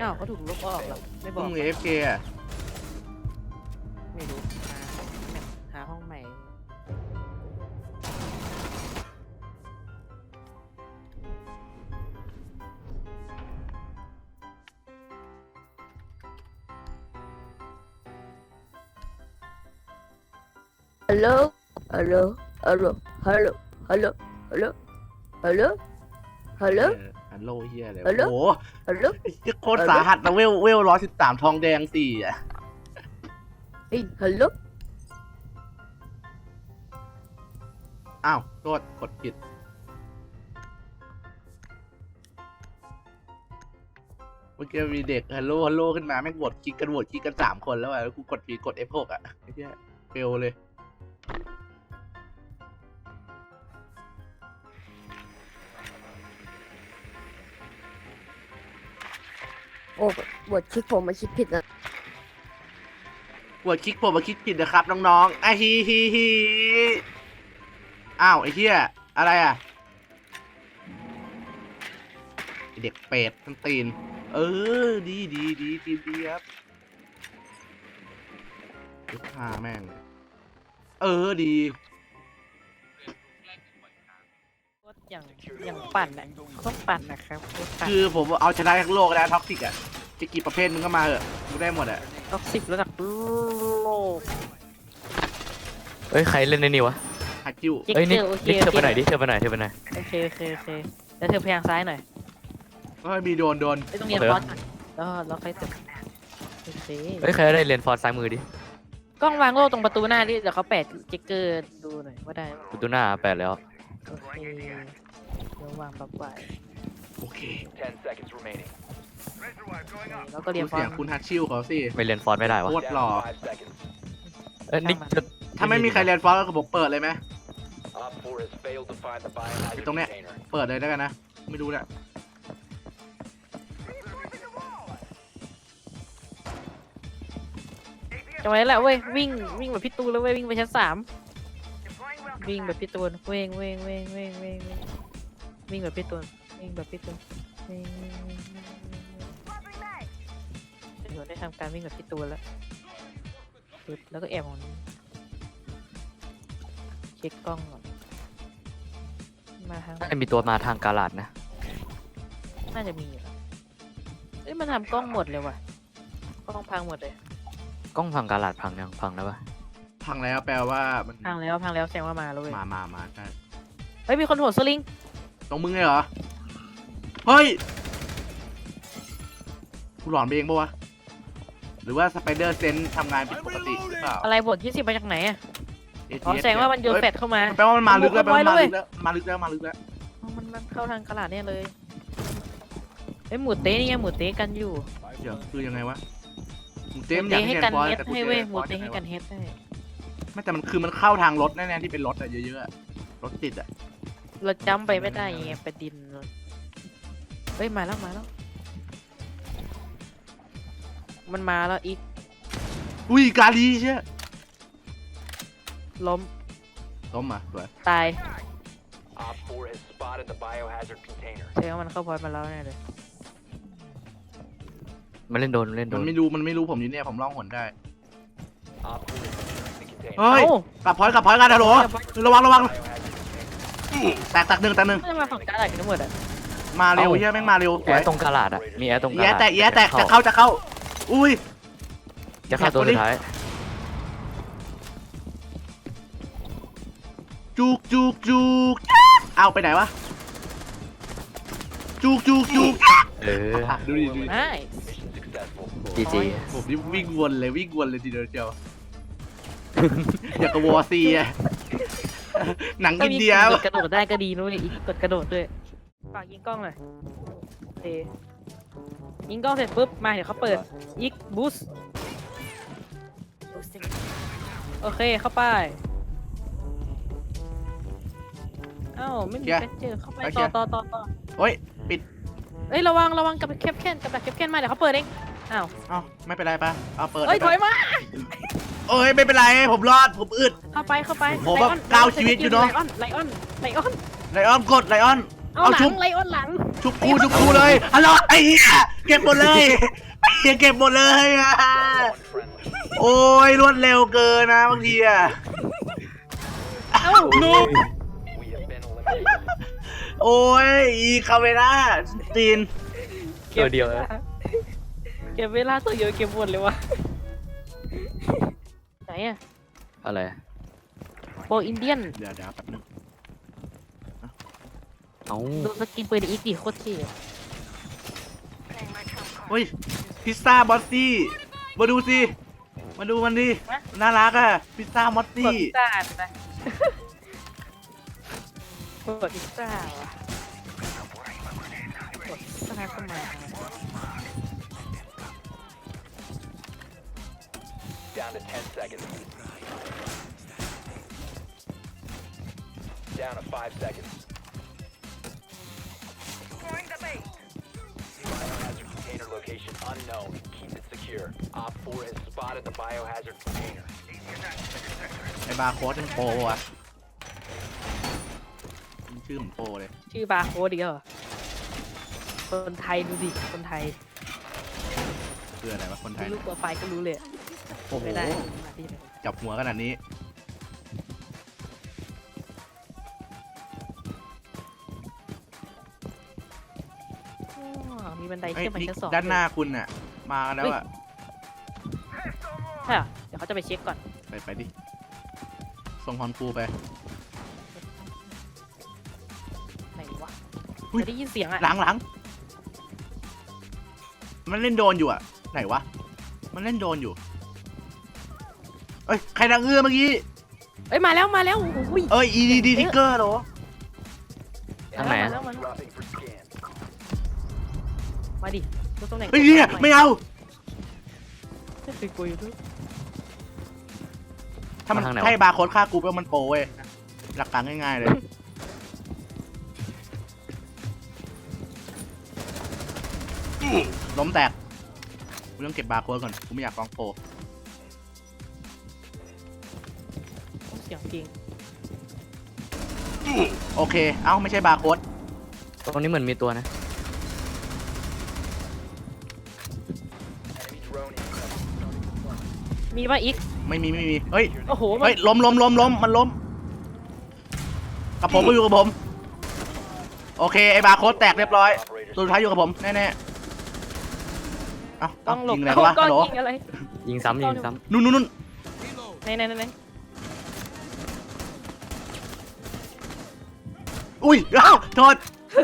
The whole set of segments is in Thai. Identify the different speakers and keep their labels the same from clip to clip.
Speaker 1: อ้าวเขาถูกลบออกเหรอไม่บ
Speaker 2: มึ
Speaker 1: อก
Speaker 2: ง AFK อ่ะ
Speaker 1: ไม่รู้หาห้องใหม่ฮัลโหลฮัลโหลฮัลโหลฮัลโหลฮัลโหลฮัลโหลฮัลโหลฮัลโหล
Speaker 2: ฮัลโหลเฮียอะไร
Speaker 1: ฮัลโหล
Speaker 2: โอ้โห
Speaker 1: ฮัลโหล
Speaker 2: โคตรสาหัสนะเวล113ทองแดง4อ่ะ
Speaker 1: เฮ้ยฮัลโหล
Speaker 2: อ้าวโทษกดผิดเมื่อกี้มีเด็กฮัลโหลขึ้นมาแม่งโหวตคลิกกัน3 คนแล้วอ่ะแล้วกูกดผิดกด F6 อ่ะไอ้เหี้ยเฟลเลย
Speaker 1: โอ้บทคลิกผมมาคิดผิดนะ
Speaker 2: กดคลิกผมมาคลิกผิดนะครับน้องๆไอ้ฮีอ้าวไอ้เหี้ยอะไรอ่ะไอ้เด็กเป็ดทั้งตีนดีครับลูกค้าแม่งดี
Speaker 1: อย่างปั่นอ่ะต้องปั่นนะครับปั่น
Speaker 2: คือผมเอาชนะทั้งโลกแล้วท็อกซิกอ่ะจะกี่ประเภทมึงก็มาเหอะกูได้หมดอ่ะ
Speaker 1: ท็อกซิกระดับโลก
Speaker 3: เอ้ยใครเล่นในนี่วะ
Speaker 2: ฮัจจิว
Speaker 3: เอ้ยนี่
Speaker 1: โอเค
Speaker 3: นี่เธอไปไหนดิเธอไปไหนโอเค
Speaker 1: โอเคแล้วเธอพยางซ้ายหน่อย
Speaker 2: ก็มีโดน
Speaker 1: ไม่ต้องเรียนฟอนต์แล้วค่อยเติมโอเค
Speaker 3: เอ้ยใครได้เรียนฟอร์ดซ้ายมือดิ
Speaker 1: กล้องวางโล่ตรงประตูหน้าดิเดี๋ยวเขาแปะจิกเกอร์ดูหน่อยว่าได้
Speaker 3: ประตูหน้าแปดแล้ว
Speaker 1: โอเคเดี๋ยววางปั๊บไว้
Speaker 2: โอเค
Speaker 4: 10 seconds remaining.
Speaker 1: แล้วก็เรี
Speaker 2: ดู
Speaker 1: ยนฟอ
Speaker 2: เสี
Speaker 1: น
Speaker 2: ยง
Speaker 1: ต์
Speaker 2: คุณฮัจชิวเขาสิ
Speaker 3: ไม่เรียนฟอร์ดไม่ได้วะ
Speaker 2: โคตร
Speaker 4: Down
Speaker 2: หล่อ
Speaker 4: to 5 seconds.
Speaker 3: เอ้ยนี่จะ
Speaker 2: ถ้าไม่มีใครเรียนฟอสก็ผมเปิดเลยไหม
Speaker 4: Op 4 has failed to find the biohazard
Speaker 2: ตรงเนี้ย
Speaker 4: container.
Speaker 2: เปิดเลยได้กันนะไม่รู้แหละ
Speaker 1: จังหวะนี้แหละเว้ยวิ่งแบบพี่ตูนแล้วเว้ยวิ่งไปชั้น3วิ่งแบบพี่ตูนวิ่งแบบพี่ตูนเดี๋ยวได้ทำการวิ่งแบบพี่ตูนแล้วปึ๊บแล้วก็แอบของนี้เช็คกล้องก่อนมาทาง
Speaker 3: น่าจะมีตัวมาทางกาลาดนะ
Speaker 1: น่าจะมีอยู่แล้วเอ้ยมันทำกล้องหมดเลยว่ะกล้องพังหมดเลย
Speaker 3: กล้องพังกาลาดพังยังพังแล้วปะ
Speaker 2: พังแล้วแปลว่ามัน
Speaker 1: พังแล้วแสดงว่ามาแล้วเว้ย
Speaker 2: มาใช่
Speaker 1: เฮ้ยมีคนโหดสลิง
Speaker 2: ตรงมึงเลยเหรอเฮ้ยกูหลอนไปเองปะวะหรือว่าสไปเดอร์เซนทำงานผิดปกติหรือเปล่า
Speaker 1: อะไรบท20มาจากไหนอ่ะ
Speaker 2: ATS
Speaker 1: อ๋อแสดงว่ามันโยนแฟดเข้ามา
Speaker 2: แปลว่ามันมาลึกแล้ว
Speaker 1: มันบุกเข้าไป
Speaker 2: มาลึกแล้ว
Speaker 1: อ๋อมันเข้าทางกระดาษเนี่ยเลยเอ้ยหมูเต้นี่ไงหมูเต้กันอยู่
Speaker 2: เดี๋ยวคือยังไงวะหมู
Speaker 1: ห
Speaker 2: เต้ม
Speaker 1: มู
Speaker 2: อยา
Speaker 1: เต้
Speaker 2: กให้
Speaker 1: ให้
Speaker 2: เรียน
Speaker 1: กัน
Speaker 2: ฟอส
Speaker 1: เฮด
Speaker 2: แต่กู
Speaker 1: ให้
Speaker 2: เจ
Speaker 1: เว้ย
Speaker 2: อ
Speaker 1: ห
Speaker 2: ฟ
Speaker 1: มู
Speaker 2: อส
Speaker 1: เต้
Speaker 2: ยังไง
Speaker 1: ให้กัน
Speaker 2: วะ
Speaker 1: เฮดได้
Speaker 2: ไม่แต่มันคือมันเข้าทางรถแน่ๆที่เป็นรถอะเยอะๆอะรถติดอะ
Speaker 1: เราจำไปไม่ได้ไงไปดินเฮ้ยมาแล้วมันมาแล้วอีก
Speaker 2: อุ้ยกาลีเชี่ย
Speaker 1: ล้ม
Speaker 2: ล้มอ่ะสวย
Speaker 1: ตาย
Speaker 4: Op 4 has spotted the biohazard container.
Speaker 1: แสดงว่ามันเข้าพอยต์มาแล้วแน่เลย
Speaker 3: มันเล่นโดน
Speaker 2: มันไม่รู้ผมอยู่เนี่ยผมล่องหนได้
Speaker 4: Op 4 is securing the container.
Speaker 2: เฮ้ย
Speaker 1: เอ้าก
Speaker 2: ลับพอยต์กันฮัลโหลระวัง
Speaker 4: Biohazard container.
Speaker 2: แตกหนึ่ง
Speaker 1: ไม่มาฝั่งกระดาษกันทั้งหมดอ่ะ
Speaker 2: มาเร็วเฮียแม่งมาเร็ว
Speaker 3: แอร์ตรงกาลาดอ่ะมีแอร์ตรงกา
Speaker 2: แย่
Speaker 3: ลาด
Speaker 2: แตกจะเข้าอุ้ย
Speaker 3: จะเข้าตัวสุดท้าย
Speaker 2: จุกเอาไปไหนวะจุก
Speaker 3: เออ
Speaker 2: ดูดิ
Speaker 1: ไม่
Speaker 4: Mission successful.
Speaker 3: จีจี
Speaker 2: ผมนี่วิ่งวนเลยทีเดียวเชียวอยากกับวอร์ซีอะหนัง
Speaker 1: ถ้า
Speaker 2: อิน
Speaker 1: มี
Speaker 2: เดีย
Speaker 1: กดกระโดดได้ก็ดีนุ้ยอีกกดกระโดดด้วยฝากยิงกล้องหน่อยโอเคยิงกล้องเสร็จปุ๊บมาเดี๋ยวเขาเปิดอีกบูสโอเคเข้าไปเอ้าไม่มีแฟนเจอเข้าไปต่อ
Speaker 2: โอ้ยปิด
Speaker 1: เอ้ยระวังกับแคปแคนมาเดี๋ยวเขาเปิดเองอ้าว
Speaker 2: เอ้าไม่เป็นไรปะเอาเปิด
Speaker 1: เอ้ยถอยมา
Speaker 2: เอ้ยไม่เป็นไรผมรอดผมอึด
Speaker 1: เข้าไป
Speaker 2: ผมว่า
Speaker 1: ไลออน
Speaker 2: ก้าวชีวิตอยู่เนอะ
Speaker 1: ไลออน
Speaker 2: ไลออนกดไลออน
Speaker 1: เอาหลั
Speaker 2: ชุ
Speaker 1: ง
Speaker 2: บ
Speaker 1: ไลออนหลัง
Speaker 2: ชุบกูเลยฮัลโหลไอ้เหี้ยเก็บหมดเลยไอ้เหี้ยเก็บหมดเลยอะ
Speaker 4: One friendly.
Speaker 2: โอ้ยรวดเร็วเกินนะบางทีอะ
Speaker 1: เอ้า
Speaker 2: ลูก
Speaker 4: We have been eliminated.
Speaker 2: โอ้ยอีคาเวล่าจีน
Speaker 3: ตัวเดียวนะ
Speaker 1: เก็บเวลาตัวเดียวเก็บหมดเลยวะไหนอะ
Speaker 3: อะไร
Speaker 1: โบอินเดียน
Speaker 2: เดี๋ยวแป๊บนึง
Speaker 3: เอ้า
Speaker 1: ดูสกินปืนอีกดิโคตรเท่
Speaker 2: เฮ้ยพิซซ่าบอสซี่มาดูสิมาดูมันดิน่ารักอะพิซซ่ามอส
Speaker 1: กด
Speaker 2: ซี่
Speaker 1: พิซซ่านะกดพิซซ่าว่ะกดพิซซ่าเข้ามา
Speaker 4: Down to 10 seconds. Down to 5 seconds. Biohazard container location unknown. Keep it secure. Op 4 has spotted the biohazard container.
Speaker 2: ไอ้บาร์โค้ดเป็นโปรอะชื่อเหมือนโปรเลย
Speaker 1: ชื่อบาร์โค้ดดีกว่าคนไทยดูดิคนไทย
Speaker 2: คืออะไรวะคนไท
Speaker 1: ดู
Speaker 2: ย
Speaker 1: รูปโปรไฟล์ก็รู้เลย
Speaker 2: โอ้โห
Speaker 1: ไม่ได้มาที่ไหน
Speaker 2: จับหัวขนาดนี้
Speaker 1: อ๋อมีบันได
Speaker 2: เอ้ย
Speaker 1: เชื่อมไป
Speaker 2: นี่
Speaker 1: ชั้นสอง
Speaker 2: ด้านหน้าคุณน่ะมากันแล้วอะ
Speaker 1: ใช่เหรอเดี๋ยวเขาจะไปเช็คก่อน
Speaker 2: ไปดิส่งฮอนฟูไป
Speaker 1: ไหนวะ
Speaker 2: อุ๊ย
Speaker 1: จะได้ยินเสียงอะ
Speaker 2: หลังมันเล่นโดนอยู่อะไหนวะมันเล่นโดนอยู่เอ้ยใครดังเอื้อเมื่อกี้
Speaker 1: เอ้ยมาแล้วโอ้ย
Speaker 2: เอ้ย EDD ทิกเกอร์เหรอ
Speaker 3: ทางไหน
Speaker 1: มา
Speaker 3: อะ
Speaker 1: แล้วมาแล้ว
Speaker 4: Dropping for scan.
Speaker 1: มาดิดูตรงไหน
Speaker 2: เฮ้ยเนี่ยไม่เอา
Speaker 1: ไม่เคยกลัวอยู่ด้วย
Speaker 2: ถ้ามัน
Speaker 3: มาทางไหนวะ
Speaker 2: ให้บาร์โค้ดฆ่ากูแล้วมันโปรเว้ยหลักการง่ายๆเลยล้มแตกกูต้องเก็บบาร์โค้ดก่อนกูไม่อยากฟ้องโปร
Speaker 1: เสียงจริง
Speaker 2: โอเคเอ้าไม่ใช่บาร์โค้ด
Speaker 3: ตรงนี้เหมือนมีตัวนะ
Speaker 4: Enemy drone incoming.
Speaker 1: มีป่ะอีก
Speaker 2: ไม่มีเฮ้ย
Speaker 1: โอ้โหมัน
Speaker 2: เฮ้ยล้มมันล้มกับผมก็อยู่กับผมโอเคไอ้บาร์โค้ดแตกเรียบร้อย
Speaker 4: Operators
Speaker 2: ตัวสุดท้ายอยู่กับผมแน่ๆเอ้า
Speaker 1: ต้องหลบ
Speaker 2: ยิงอะไรวะ
Speaker 1: กล้
Speaker 2: ฮั
Speaker 1: อง
Speaker 2: ลโหล
Speaker 1: ยิงอะไร
Speaker 3: ยิงซ้ำยิงซ้
Speaker 2: นู่น
Speaker 1: ไหน
Speaker 2: อุ้ยเอ้าโทษ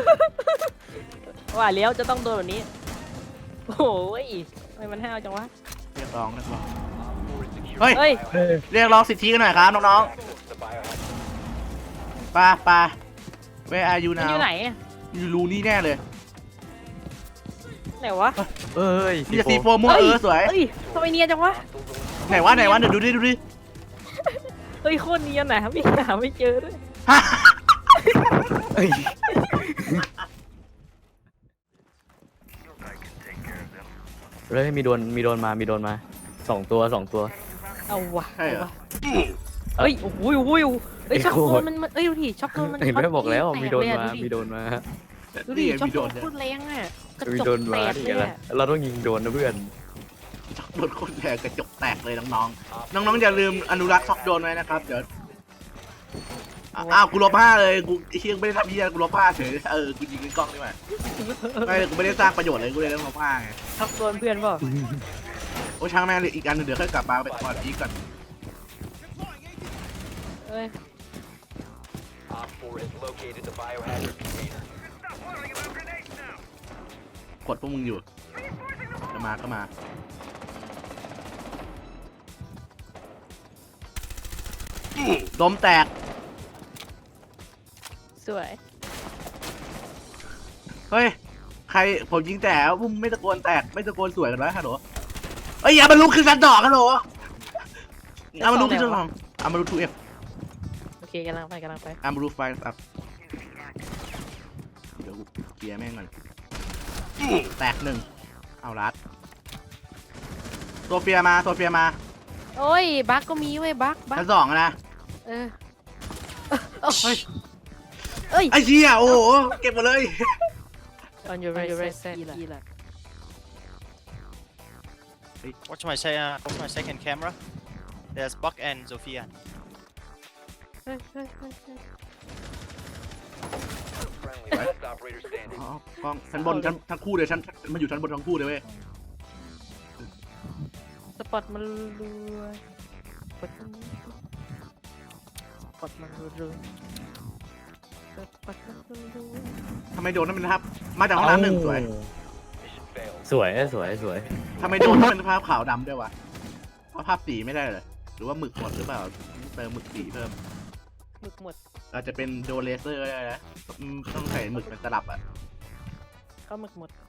Speaker 1: ว่าแล้วจะต้องโดนแบบนี้โอ้ยทำไมมันห้าวจังวะ
Speaker 2: เรียกร้อง
Speaker 4: Op 4 is secure.
Speaker 2: เฮ้ย
Speaker 1: เฮ้ย
Speaker 2: เรียกร้องสิทธิกันหน่อยครับน้อง
Speaker 4: Access to the biohazard.
Speaker 2: ๆปาWhere are you
Speaker 1: มัน
Speaker 2: now
Speaker 1: อยู่ไหนอะ
Speaker 2: อยู่รูนี่แน่เลย
Speaker 1: ไหนวะ
Speaker 3: ำเอ้ย
Speaker 2: มีแต่สีโฟม่วงสวย
Speaker 1: เฮ้ยทำไมเนียนจังวะ
Speaker 2: ไหนวะเดี๋ยวดูดิ
Speaker 1: เฮ้ยโคตรเนียนนะพี่หาไม่เจอด้วย
Speaker 2: ฮะ
Speaker 3: เอ้ยเลยมีโดนมาสองตัว
Speaker 1: เอาวะ
Speaker 2: ใช่เหรอ
Speaker 1: เอาวะเฮ้ยโอ้โหเฮ้ยช็อปโดนมันเอ้ยดูดิช็อปโดนมัน
Speaker 3: เห็นไหม
Speaker 1: ช็ต
Speaker 3: บอกแล้ว
Speaker 1: แต
Speaker 3: มีโดน
Speaker 1: เลยอะ
Speaker 3: มามีโดนมา
Speaker 1: ดูดิช็อปโดนโคตรแรงอะกระ
Speaker 3: มี
Speaker 1: จ
Speaker 3: โด
Speaker 1: ก
Speaker 3: น
Speaker 1: แต
Speaker 3: มาก ดิ
Speaker 1: เลย
Speaker 3: อะไร
Speaker 1: อะ
Speaker 3: เราต้องยิงโดนนะเพื่อน
Speaker 2: ช็อกโดนโคตรแตกกระจกแตกเลยน้องๆน้องๆอย่าลืมอนุรักษ์ช็อกโดนไว้นะครับเดี๋ยวอ้าวกูลบ5เลยกูไอ้เฮียไม่ได้ทำเฮียกูลบ5เฉยกูยิงกล้องนี่มาไม่กูไม่ได้สร้างประโยชน์เลยกูเลยต้องลบ5ไง
Speaker 1: ช็อปโดนเพื่อนเปล่า
Speaker 2: โอ้ช่างแม่งเลยอีกอันหนึงเดี๋ยวค่อยกลับมาไปก่อนอีกก่อน
Speaker 1: เอ้ย
Speaker 4: Op 4 has located the biohazard container.
Speaker 2: กดพวกมึงอยู่จะมาก็มาล้มแตก
Speaker 1: สวย
Speaker 2: เฮ้ยใครผมยิงแต่พวกมึงไม่ตะโกนแตกไม่ตะโกนสวยกันวะฮัลโหลเอ้ยอย่ามาลุกขึ้นสันดอกฮัลโหลเอามาลุกขึ้นสันดอกเอามาลุก 2F
Speaker 1: โอเคกำลังไป
Speaker 2: เอามาลุกไฟอัพเดี๋ยวกูเคลียร์แม่งก่อนแตกหนึ่งเอาลัดโซเฟียมา
Speaker 1: โอ้ยบั๊กก็มีเว้ยบั๊ก
Speaker 2: ชั้น2อะนะ
Speaker 1: เออ
Speaker 2: เฮ้ย
Speaker 1: เอ้ย
Speaker 2: ไอ้เหี้ยโอ้โหเก็บหมดเลย
Speaker 1: on your right set อีแหละ
Speaker 5: Watch my second camera. There's Buck and Sophia.
Speaker 1: เฮ้ยเฮ้ยเฮ้ยเฮ้ย
Speaker 4: Friendly, last operator standing.
Speaker 2: อ๋อกล้องชั้นบนชั้นทั้งคู่เลยชั้นมันอยู่ชั้นบนทั้งคู่เลยเว้ย
Speaker 1: สปอตมันรัวสปอตมันรัวสปอตมันรัว
Speaker 2: ทำไมโดนนั่นเป็นภาพมาจากห้องน้ำหนึ่งสวย
Speaker 4: Mission failed.
Speaker 3: สวยสวยสวย
Speaker 2: ทำไมโดนนั่นเป็นภาพขาวดำด้วยวะเพราะภาพสีไม่ได้เลยหรือว่าหมึกหมดหรือเปล่าเติมหมึกสีเพิ่ม
Speaker 1: หมึกหมด
Speaker 2: อาจจะเป็นโดนเลเซอร์ก็ได้นะต้องใส่หมึกเป็นตลับอ่ะ
Speaker 1: เข้าหมึกหมด